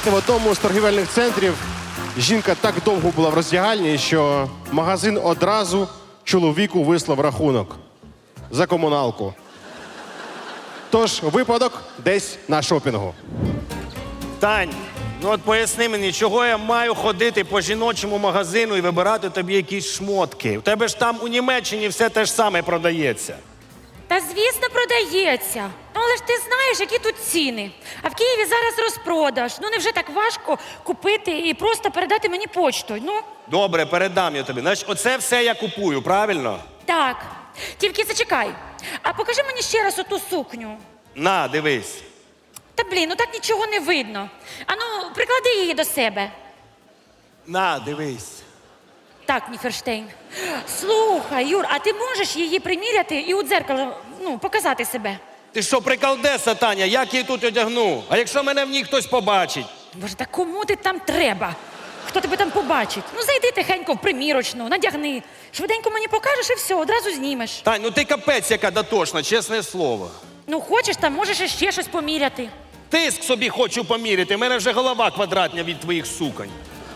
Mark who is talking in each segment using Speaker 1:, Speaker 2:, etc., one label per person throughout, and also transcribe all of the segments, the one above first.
Speaker 1: Знаєте, в одному з торгівельних центрів жінка так довго була в роздягальні, що магазин одразу чоловіку вислав рахунок за комуналку. Тож випадок десь на шопінгу.
Speaker 2: Тань, ну от поясни мені, чого я маю ходити по жіночому магазину і вибирати тобі якісь шмотки? У тебе ж там у Німеччині все те ж саме продається.
Speaker 3: Та звісно, продається. Ну, але ж ти знаєш, які тут ціни. А в Києві зараз розпродаж. Ну, невже так важко купити і просто передати мені почтою? Ну,
Speaker 2: Добре, передам я тобі. Значить, оце все я купую, правильно?
Speaker 3: так. Тільки зачекай. А покажи мені ще раз оту сукню.
Speaker 2: На, дивись.
Speaker 3: Та блін, ну так нічого не видно. Ану, приклади її до себе.
Speaker 2: На, дивись.
Speaker 3: Так, Ніферштейн. Слухай, Юр, а ти можеш її приміряти і у дзеркало, показати себе?
Speaker 2: Ти що, приколдеса, Таня, як її тут одягну? А якщо мене в ній хтось побачить?
Speaker 3: Боже, та кому ти там треба? Хто тебе там побачить? Ну, зайди тихенько в примірочну, надягни. Швиденько мені покажеш і все, одразу знімеш.
Speaker 2: Тань, ну ти капець яка дотошна, чесне слово.
Speaker 3: Ну, хочеш, там можеш іще щось поміряти.
Speaker 2: Тиск собі хочу поміряти, в мене вже голова квадратня від твоїх суконь.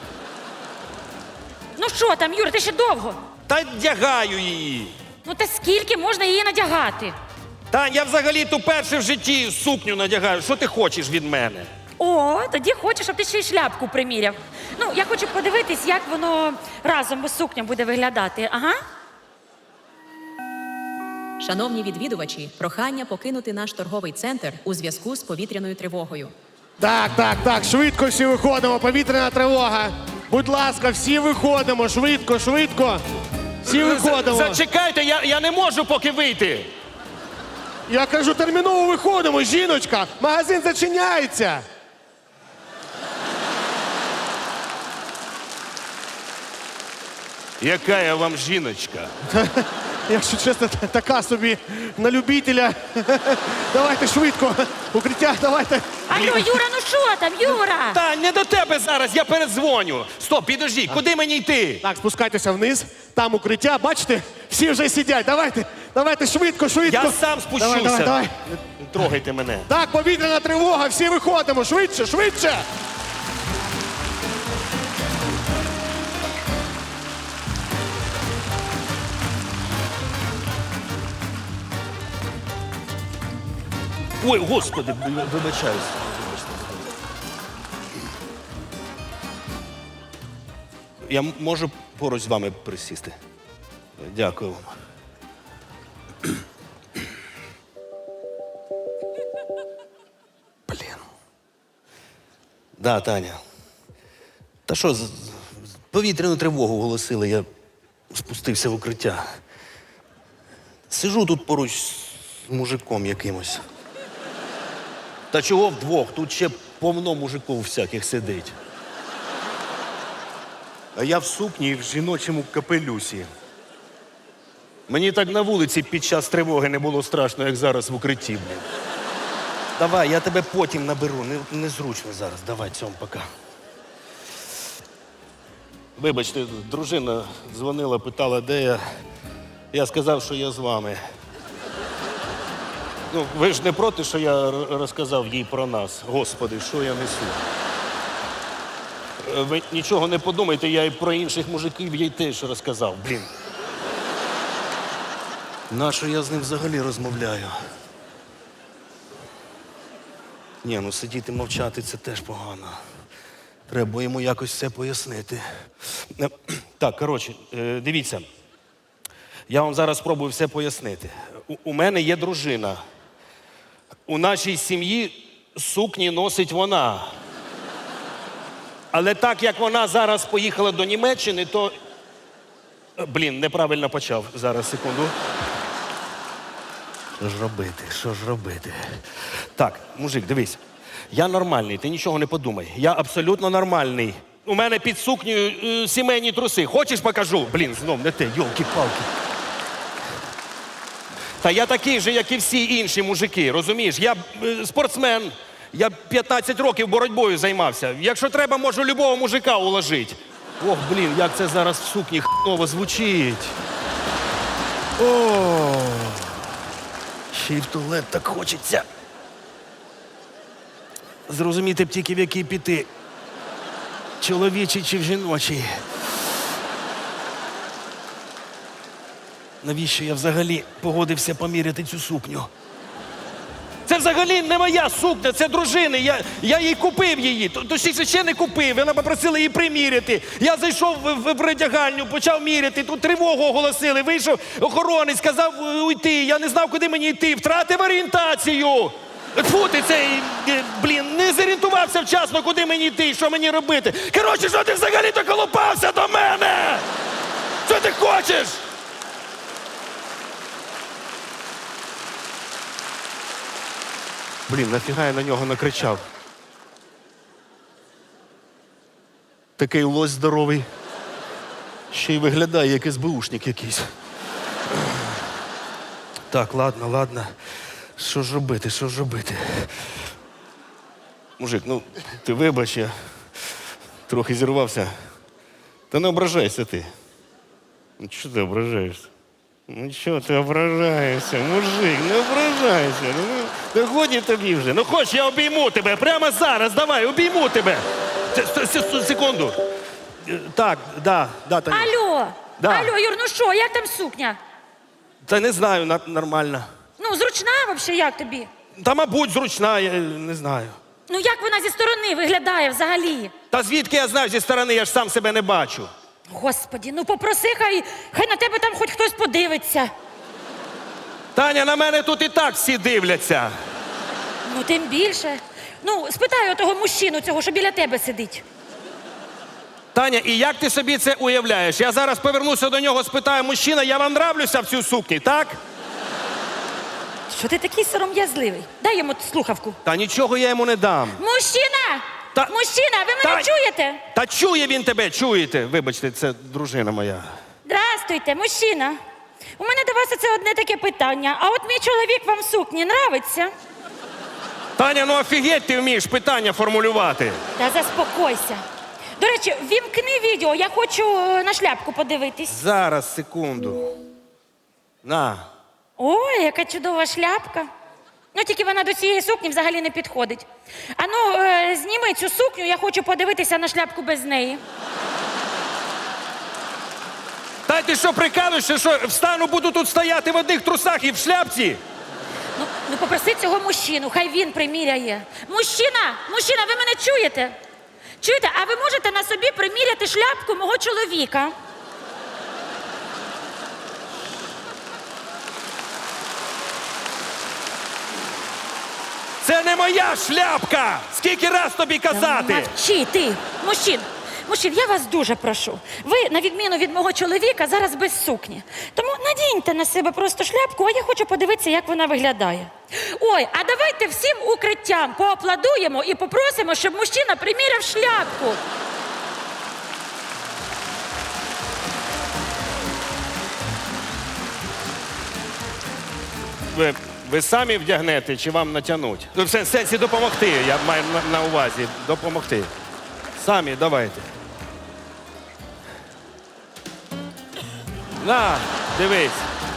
Speaker 3: Ну що там, Юр, ти ще довго?
Speaker 2: Та вдягаю її.
Speaker 3: Ну, та скільки можна її надягати?
Speaker 2: Тань, я взагалі-то вперше в житті сукню надягаю. Що ти хочеш від мене?
Speaker 3: О, тоді хочу, щоб ти ще й шляпку приміряв. Ну, я хочу подивитись, як воно разом із сукням буде виглядати. Ага.
Speaker 4: Шановні відвідувачі, прохання покинути наш торговий центр у зв'язку з повітряною тривогою.
Speaker 1: Так, швидко всі виходимо, повітряна тривога. Будь ласка, всі виходимо, швидко. Всі виходимо.
Speaker 2: Зачекайте, я не можу поки вийти.
Speaker 1: Я кажу, терміново виходимо, жіночка. Магазин зачиняється.
Speaker 2: Яка я вам жіночка?
Speaker 1: Якщо чесно, така собі на любителя. Давайте швидко. Укриття, давайте.
Speaker 3: Алло, Юра, ну що там, Юра?
Speaker 2: Та не до тебе зараз, я передзвоню. Стоп, підожди, куди мені йти?
Speaker 1: Так, спускайтеся вниз. Там укриття, бачите? Всі вже сидять. Давайте швидко.
Speaker 2: Я сам спущуся.
Speaker 1: Давай.
Speaker 2: Не трогайте мене.
Speaker 1: Так, повітряна тривога, всі виходимо. Швидше.
Speaker 2: Ой, господи, вибачаюсь. Я можу поруч з вами присісти? Дякую вам. Блін. Да, Таня. Та що, повітряну тривогу оголосили, я спустився в укриття. Сижу тут поруч з мужиком якимось. Та чого вдвох? Тут ще повно мужиків всяких сидить. А я в сукні і в жіночому капелюсі. Мені так на вулиці під час тривоги не було страшно, як зараз в укритті, блін. Давай, я тебе потім наберу. Незручно зараз. Давай, цьому, пока. Вибачте, дружина дзвонила, питала, де я. Я сказав, що я з вами. Ну, ви ж не проти, що я розказав їй про нас? Господи, що я несу? Ви нічого не подумайте, я і про інших мужиків їй теж розказав, блін. Нащо я з ним взагалі розмовляю? Ні, ну сидіти мовчати – це теж погано. Треба йому якось все пояснити. Так, коротше, дивіться. Я вам зараз спробую все пояснити. У мене є дружина. У нашій сім'ї сукні носить вона. Але так, як вона зараз поїхала до Німеччини, то... Блін, неправильно почав. Зараз, секунду. Що ж робити? Так, мужик, дивись. Я нормальний, ти нічого не подумай. Я абсолютно нормальний. У мене під сукнею сімейні труси. Хочеш, покажу? Блін, знов не те, йолки-палки. Та я такий же, як і всі інші мужики, розумієш? Я спортсмен, я 15 років боротьбою займався. Якщо треба, можу любого мужика уложити. Ох, блін, як це зараз в сукні хново звучить. О, ще й в туалет так хочеться. Зрозуміти б тільки, в який піти. чоловічий чи в жіночий? Навіщо я взагалі погодився поміряти цю сукню? Це взагалі не моя сукня, це дружини. Я їй купив її. Точніше, ще не купив. Вона попросила її приміряти. Я зайшов в передягальню, почав міряти. Тут тривогу оголосили. Вийшов охоронець, сказав уйти. Я не знав, куди мені йти. Втратив орієнтацію. Фу ти цей, не зорієнтувався вчасно, куди мені йти, що мені робити. Коротше, що ти взагалі доколупався до мене? Що ти хочеш? Нафіга я на нього накричав? Такий лось здоровий. Ще й виглядає, як СБУшник якийсь. Так, ладно. Що ж робити? Мужик, ти вибач, я трохи зірвався. Та не ображайся ти. Чого ти ображаєшся? Чого ти ображаєшся, мужик, не ображайся. Ну, годі тобі вже. Ну, хоч я обійму тебе прямо зараз, давай, обійму тебе. Секунду. Так, да, Таня.
Speaker 3: Алло,
Speaker 2: Да.
Speaker 3: алло, Юр, ну що, як там сукня?
Speaker 2: Та не знаю, нормально.
Speaker 3: Ну, зручна взагалі, як тобі?
Speaker 2: Та, мабуть, зручна, я не знаю.
Speaker 3: Ну, як вона зі сторони виглядає взагалі?
Speaker 2: Та звідки я знаю зі сторони, я ж сам себе не бачу.
Speaker 3: Господі, ну попроси, хай на тебе там хоч хтось подивиться.
Speaker 2: Таня, на мене тут і так всі дивляться.
Speaker 3: Ну, тим більше. Ну, спитай отого мужчину цього, що біля тебе сидить.
Speaker 2: Таня, і як ти собі це уявляєш? Я зараз повернуся до нього, спитаю, мужчина, я вам нравлюся в цій сукні, так?
Speaker 3: Що ти такий сором'язливий? Дай йому слухавку.
Speaker 2: Та нічого я йому не дам.
Speaker 3: Мужчина!
Speaker 2: Та-
Speaker 3: Мужчина, ви мене чуєте?
Speaker 2: Та чує він тебе, чуєте? Вибачте, це дружина моя.
Speaker 3: Здрастуйте, мужчина. У мене до вас це одне таке питання. А от мій чоловік вам в сукні нравиться?
Speaker 2: Таня, ну офігеть ти вмієш питання формулювати.
Speaker 3: Та заспокойся. До речі, вімкни відео, я хочу на шляпку подивитись.
Speaker 2: Зараз, секунду. На.
Speaker 3: Ой, яка чудова шляпка. Ну, тільки вона до цієї сукні взагалі не підходить. Ану, зніми цю сукню, я хочу подивитися на шляпку без неї.
Speaker 2: Та ти що, прикалуєшся, що встану, буду тут стояти в одних трусах і в шляпці?
Speaker 3: Ну попроси цього мужчину, хай він приміряє. Мужчина, ви мене чуєте? Чуєте, а ви можете на собі приміряти шляпку мого чоловіка?
Speaker 2: Це не моя шляпка! Скільки раз тобі казати?
Speaker 3: Мовчи, ти, мужчин, я вас дуже прошу. Ви, на відміну від мого чоловіка, зараз без сукні. Тому надіньте на себе просто шляпку, а я хочу подивитися, як вона виглядає. Ой, а давайте всім укриттям поаплодуємо і попросимо, щоб мужчина приміряв шляпку.
Speaker 2: Ви самі вдягнете чи вам натягнуть? Ну, в сенсі допомогти, я маю на увазі. Допомогти. Самі, давайте. На, дивись.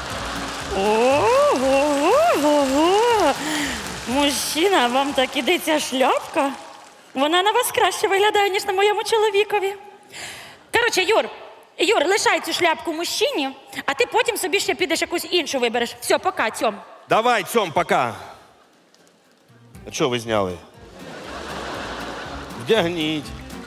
Speaker 3: Ого! Мужчина, вам так іде ця шляпка? Вона на вас краще виглядає, ніж на моєму чоловікові. Коротше, Юр, лишай цю шляпку мужчині, а ти потім собі ще підеш якусь іншу вибереш. Все, пока, цьом.
Speaker 2: Давай, цьом, пока. А чого ви зняли? Вдягніть.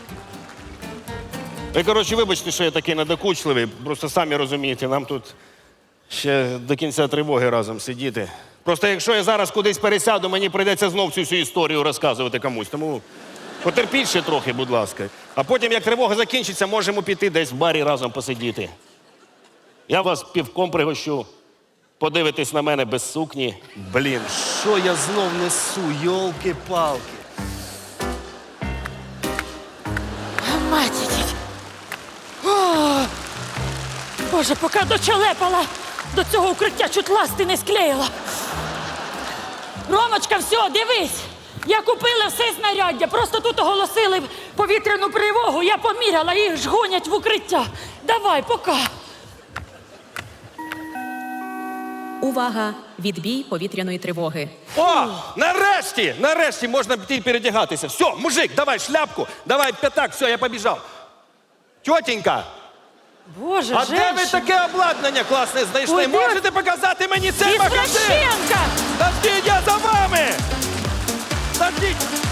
Speaker 2: Ви, коротше, вибачте, що я такий надокучливий. Просто самі розумієте, нам тут ще до кінця тривоги разом сидіти. Просто якщо я зараз кудись пересяду, мені прийдеться знов цю всю історію розказувати комусь. Тому потерпіть ще трохи, будь ласка. А потім, як тривога закінчиться, можемо піти десь в барі разом посидіти. Я вас півком пригощу. Подивитись на мене без сукні. Блін, що я знов несу, йолки-палки.
Speaker 3: Матіть. Боже, поки дочелепала, до цього укриття чуть ласти не склеїла. Ромочка, все, дивись. Я купила все знаряддя, просто тут оголосили повітряну тривогу, я поміряла, їх ж гонять в укриття. Давай, пока.
Speaker 4: Увага! відбій повітряної тривоги.
Speaker 5: О, нарешті можна піти передягатися. Все, мужик, давай шляпку, давай п'ятак, все, я побіжав. Тьотенька,
Speaker 3: Боже,
Speaker 5: а де ви
Speaker 3: женщина.
Speaker 5: таке обладнання класне знайшли?
Speaker 3: Ой, де-
Speaker 5: Можете показати мені цей магазин?
Speaker 3: Извращенка!
Speaker 5: Подождіть, я за вами! Подождіть!